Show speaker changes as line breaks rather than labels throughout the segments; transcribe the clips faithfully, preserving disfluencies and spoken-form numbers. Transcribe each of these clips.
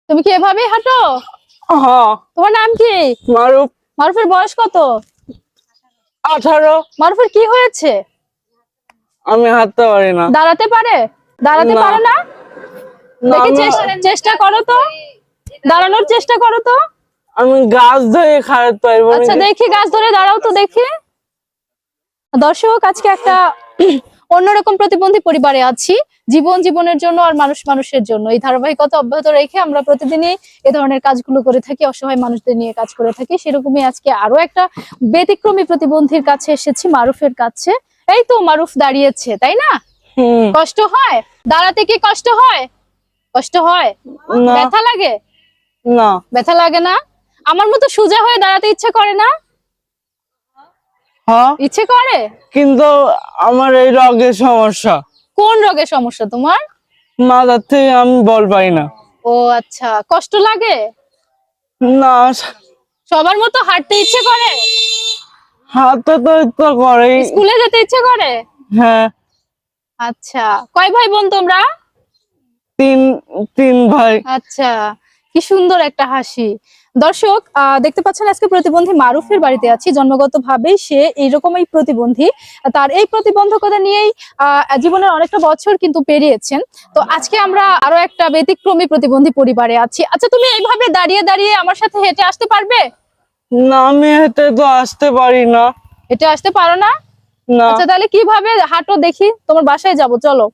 তুমি কি এভাবেই হাঁটো?
হ্যাঁ।
তোমার নাম কি?
মারুফ।
মারুফের বয়স কত?
আঠারো।
মারুফের কি হয়েছে?
আমি হাঁটতে পারি না।
দাঁড়াতে পারে? দাঁড়াতে
না।
পারে না?
না,
দেখি
আমি
চেষ্টা- চেষ্টা করো তো, দাঁড়ানোর চেষ্টা করো তো।
আমি গাছ ধরে খাড়াতে পারবো না।
আচ্ছা দেখি, গাছ ধরে দাঁড়াও তো দেখি। দর্শক, আজকে একটা অন্যরকম প্রতিবন্ধী পরিবারে আছি। জীবন জীবনের জন্য আর মানুষ মানুষের জন্য এই ধারাবাহিকতা অব্যাহত রেখে আমরা প্রতিদিনই এ ধরনের কাজগুলো করে থাকি, অসহায় মানুষদের নিয়ে কাজ করে থাকি। সেরকমই আজকে আরো একটা ব্যতিক্রমী প্রতিবন্ধীর কাছে এসেছি, মারুফের কাছে। এই তো মারুফ দাঁড়িয়েছে, তাই না?
হুম।
কষ্ট হয় দাঁড়াতে? কি কষ্ট হয়? কষ্ট হয়?
না।
ব্যথা লাগে?
না।
ব্যথা লাগে না? আমার মতো সোজা হয়ে দাঁড়াতে ইচ্ছে করে না?
হ্যাঁ,
ইচ্ছে করে।
কিন্তু আমার এই রোগের সমস্যা।
কোন রোগের সমস্যা তোমার?
মাথার থেকে আমি বল পাই না।
ও আচ্ছা, কষ্ট লাগে?
না,
সবার মতো হাঁটতে ইচ্ছে করে?
হাঁটতে তো ইচ্ছা করে।
স্কুলে যেতে ইচ্ছে করে?
হ্যাঁ।
আচ্ছা, কয় ভাই বোন তোমরা?
তিন তিন ভাই।
আচ্ছা, কি সুন্দর একটা হাসি। দর্শক, আহ দেখতে পাচ্ছেন আজকে প্রতিবন্ধী মারুফের বাড়িতে আছি। জন্মগতভাবেই সে এইরকমই প্রতিবন্ধী। তার এই প্রতিবন্ধকতা নিয়েই আহ জীবনের অনেকটা বছর কিন্তু পেরিয়েছেন। তো আজকে আমরা আরো একটা ব্যতিক্রমী প্রতিবন্ধী পরিবারে আছি। আচ্ছা, তুমি এইভাবে দাঁড়িয়ে দাঁড়িয়ে আমার সাথে হেঁটে আসতে পারবে?
না, আমি হেঁটে তো আসতে পারি না।
হেঁটে আসতে পারো না?
না।
আচ্ছা, তাহলে কিভাবে হাঁটো দেখি? তোমার বাসায় যাব, চলো।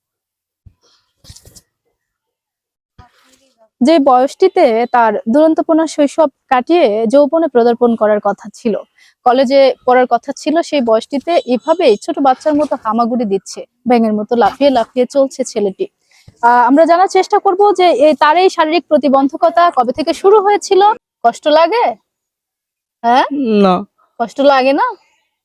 যে বয়সটিতে তার দুরন্তপনা শৈশব কাটিয়ে যৌবনে পদার্পণ করার কথা ছিল, কলেজে পড়ার কথা ছিল, সেই বয়সটিতে এভাবেই ছোট বাচ্চার মতো হামাগুড়ি দিচ্ছে, ব্যাঙের মতো লাফিয়ে লাফিয়ে চলছে ছেলেটি। আহ আমরা জানার চেষ্টা করব যে এই তার এই শারীরিক প্রতিবন্ধকতা কবে থেকে শুরু হয়েছিল। কষ্ট লাগে? হ্যাঁ,
না।
কষ্ট লাগে না?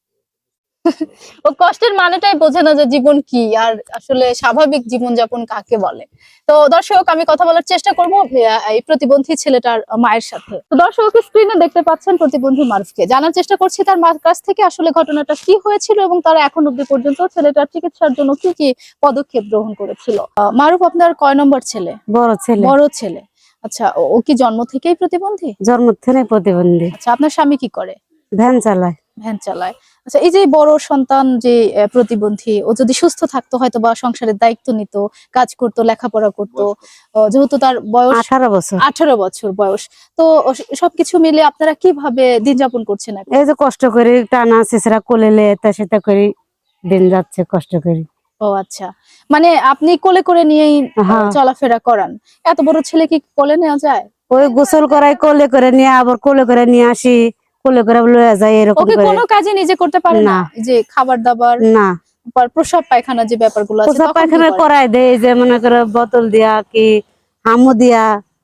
ও কষ্টের মানেটাই বোঝে না যে জীবন কি, আর আসলে স্বাভাবিক জীবনযাপন কাকে বলে। তো দর্শক, আমি কথা বলার চেষ্টা করব এই প্রতিবন্ধী ছেলেটার মায়ের সাথে। তো দর্শক, স্ক্রিনে দেখতে পাচ্ছেন প্রতিবন্ধী মারুফকে। জানার চেষ্টা করছি তার মার কাছ থেকে আসলে ঘটনাটা কি হয়েছিল এবং তারা এখন অব্দি পর্যন্ত ছেলেটার চিকিৎসার জন্য কি কি পদক্ষেপ গ্রহণ করেছিল। আহ, মারুফ, আপনার কয় নম্বর ছেলে?
বড় ছেলে।
বড় ছেলে। আচ্ছা, ও- ও কি জন্ম থেকেই প্রতিবন্ধী?
জন্ম থেকে প্রতিবন্ধী।
আচ্ছা, আপনার স্বামী কি করে?
ভ্যান চালায়।
ভ্যান চালায়। আচ্ছা, এই যে বড় সন্তান যে আহ, প্রতিবন্ধী, ও যদি সুস্থ থাকতো হয়তো বা সংসারের দায়িত্ব নিত, কাজ করতো, লেখাপড়া করতো। আহ, যেহেতু তার বয়স
আঠারো বছর।
আঠারো বছর বয়স, তো ও স- সবকিছু মিলে আপনারা কিভাবে দিন যাপন করছেন এখন?
এই যে কষ্ট করি, টানা শেষরা কোলেলে এটা সেটা করি, দিন যাচ্ছে কষ্ট করি।
ও আচ্ছা, মানে আপনি কোলে করে নিয়েই আহ,
হ্যাঁ।
চলাফেরা করান? এত বড় ছে কি কোলে নেওয়া যায়?
ওই গোসল করাই, কোলে করে নিয়ে আবার কোলে করে নিয়ে আসি, কোলে করে লয়ে যাই, এরকম
ওকে
করে।
কোনো কাজে নিজে করতে পারে না?
না।
এই যে খাবার দাবার,
না,
পর- প্রস্রাব পায়খানা যে ব্যাপারগুলো আছে,
পোশাক
তখন কি
পায়খানা
করে?
করাই দেয়, যে মনে করে বোতল দিয়া কি হামু দিয়া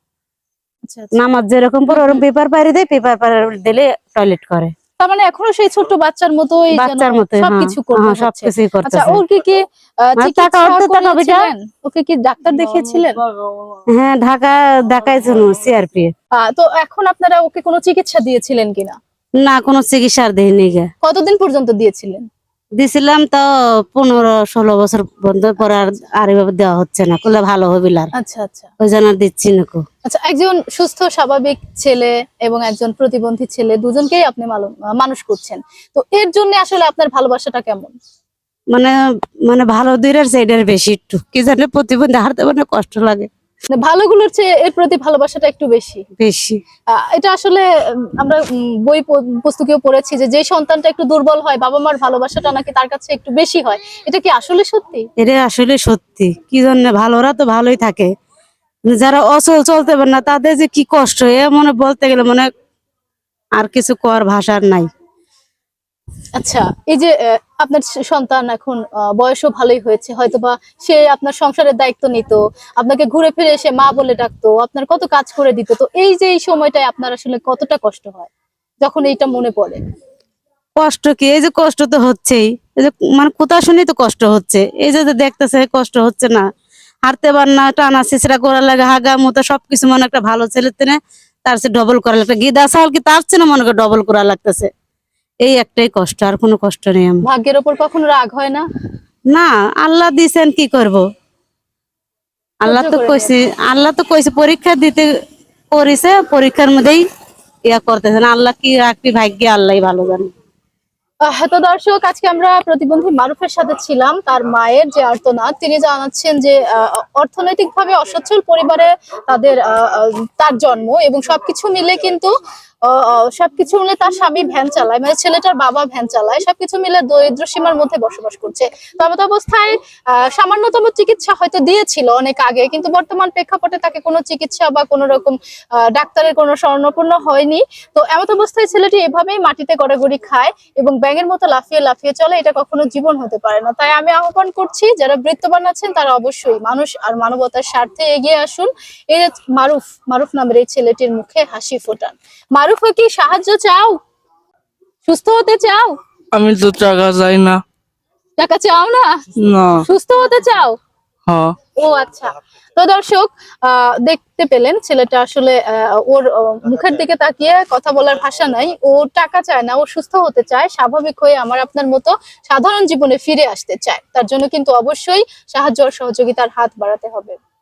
আচ্ছা আচ্ছা।
নামাজ যেরকম পরে
হুম,
ওরকম
হুম।
পেপার পারি দেয়, পেপার পারি দিলে টয়লেট করে।
তার মানে এখনো সেই ছোট্ট বাচ্চার মতোই যেন
বাচ্চার মতো। হ্যাঁ,
সবকিছু করতে
হ্যাঁ,
হচ্ছে।
সবকিছুই
আচ্ছা,
করতেছে।
ওর কি কি আহ,
আর টাকা
চিকিৎসা
অর্ধেক টাকা বেটা।
করিয়েছিলেন? ওকে কি ডাক্তার দেখিয়েছিলেন?
হ্যাঁ, ঢাকা দেখাইছিল সিআরপি।
আহ, তো এখন আপনারা ওকে কোনো চিকিৎসা দিয়েছিলেন কিনা?
না, কোনো চিকিৎসার দেয়নি গে।
কতদিন পর্যন্ত দিয়েছিলেন?
দিছিলাম তো পনেরো ষোলো বছর বন্ধ পরে আর আর এভাবে দেওয়া হচ্ছে না, করলে ভালো হবে আর
আচ্ছা আচ্ছা।
ওই জন্য আর দিচ্ছি না কো।
আচ্ছা, একজন সুস্থ স্বাভাবিক ছেলে এবং একজন প্রতিবন্ধী ছেলে, দুজনকেই আপনি মালু- আহ, মানুষ করছেন। তো এর জন্য আসলে আপনার ভালোবাসাটা কেমন?
মানে মানে ভালো দিনের সাইডের বেশি একটু কি জানে, প্রতিবন্ধী হারতে মানে কষ্ট লাগে
মানে ভালোগুলোর চেয়ে এর প্রতি ভালোবাসাটা একটু বেশি।
বেশি।
আহ, এটা আসলে উম, আমরা উম, বই প- পুস্তকেও পড়েছি যে যে সন্তানটা একটু দুর্বল হয়, বাবা মার ভালোবাসাটা নাকি তার কাছে একটু বেশি হয়। এটা কি আসলে সত্যি?
এটা আসলে সত্যি। কি জন্য, ভালোরা তো ভালোই থাকে, যারা অচল চলতে পারে না তাদের যে কি কষ্ট, এ মনে বলতে গেলে মনে আর কিছু কর ভাষার নাই।
আচ্ছা, এই যে আহ, আপনার স- সন্তান এখন আহ, বয়সও ভালোই হয়েছে, হয়তোবা সে আপনার সংসারের দায়িত্ব নিত, আপনাকে ঘুরে ফিরে এসে মা বলে ডাকতো, আপনার কত কাজ করে দিত। তো এই যে এই সময়টায় আপনার আসলে কতটা কষ্ট হয় যখন এইটা মনে পড়ে?
কষ্ট কি, এই যে কষ্ট তো হচ্ছেই, এই যে মানে কোথা শুনি তো কষ্ট হচ্ছে, এই যে যে দেখতেছে কষ্ট হচ্ছে না, হারতে পার না, টানা ছিচড়া করা লাগে, হাগা মুতা সবকিছু মনে একটা ভালো ছেলের তেনে তার চেয়ে ডবল করা লাগবে, গিদা চাল কি তার চেয়ে না মনে করে ডবল করা লাগতেছে। এই একটাই কষ্ট, আর কোনো কষ্ট নেই আমার।
ভাগ্যের ওপর কখনো রাগ হয় না?
না, আল্লাহ দিছেন, কি করব, আল্লাহ তো
করে
কইছে আল্লাহ তো কইছে পরীক্ষা দিতে করেছে, পরীক্ষার মধ্যেই ইয়া করতেছে না। আল্লাহ কি রাখবি ভাগ্যে আল্লাহই ভালো জানে।
আহ, তো দর্শক, আজকে আমরা প্রতিবন্ধী মারুফের সাথে ছিলাম। তার মায়ের যে আর্তনাদ, তিনি জানাচ্ছেন যে অর্থনৈতিকভাবে অসচ্ছল পরিবারে তাদের আহ, আহ, তার জন্ম, এবং সবকিছু মিলে কিন্তু আহ, আহ, সবকিছু মিলে তার স্বামী ভ্যান চালায়, মানে ছেলেটার বাবা ভ্যান চালায়, সবকিছু মিলে দরিদ্র সীমার মধ্যে বসবাস করছে। তেমত অবস্থায় আহ, সামান্যতম চিকিৎসা হয়তো দিয়েছিল অনেক আগে, কিন্তু বর্তমান প্রেক্ষাপটে তাকে কোনো চিকিৎসা বা কোনো রকম আহ, ডাক্তারের কোনো শরণাপন্ন হয়নি। তো এমত অবস্থায় ছেলেটি এভাবেই মাটিতে গড়াগড়ি খায় এবং ব্যাঙের মতো লাফিয়ে লাফিয়ে চলে। এটা কখনো জীবন হতে পারে না। তাই আমি আহ্বান করছি, যারা বৃত্তবান আছেন তারা অবশ্যই মানুষ আর মানবতার স্বার্থে এগিয়ে আসুন। এই যে মারুফ মারুফ নামের এই ছেলেটির মুখে হাসি ফোটান। মারুফ, কি সাহায্য চাও? সুস্থ হতে চাও?
আমি তো টাকা চাই না।
টাকা চাও না,
না।
সুস্থ হতে চাও?
হ্যাঁ।
ও আচ্ছা। তো দর্শক, আহ দেখতে পেলেন ছেলেটা আসলে আহ, ওর আহ, মুখের দিকে তাকিয়ে কথা বলার ভাষা নাই। ও টাকা চায় না, ও সুস্থ হতে চায়, স্বাভাবিক হয়ে আমার আপনার মতো সাধারণ জীবনে ফিরে আসতে চায়। তার জন্য কিন্তু অবশ্যই সাহায্য আর সহযোগিতার হাত বাড়াতে হবে।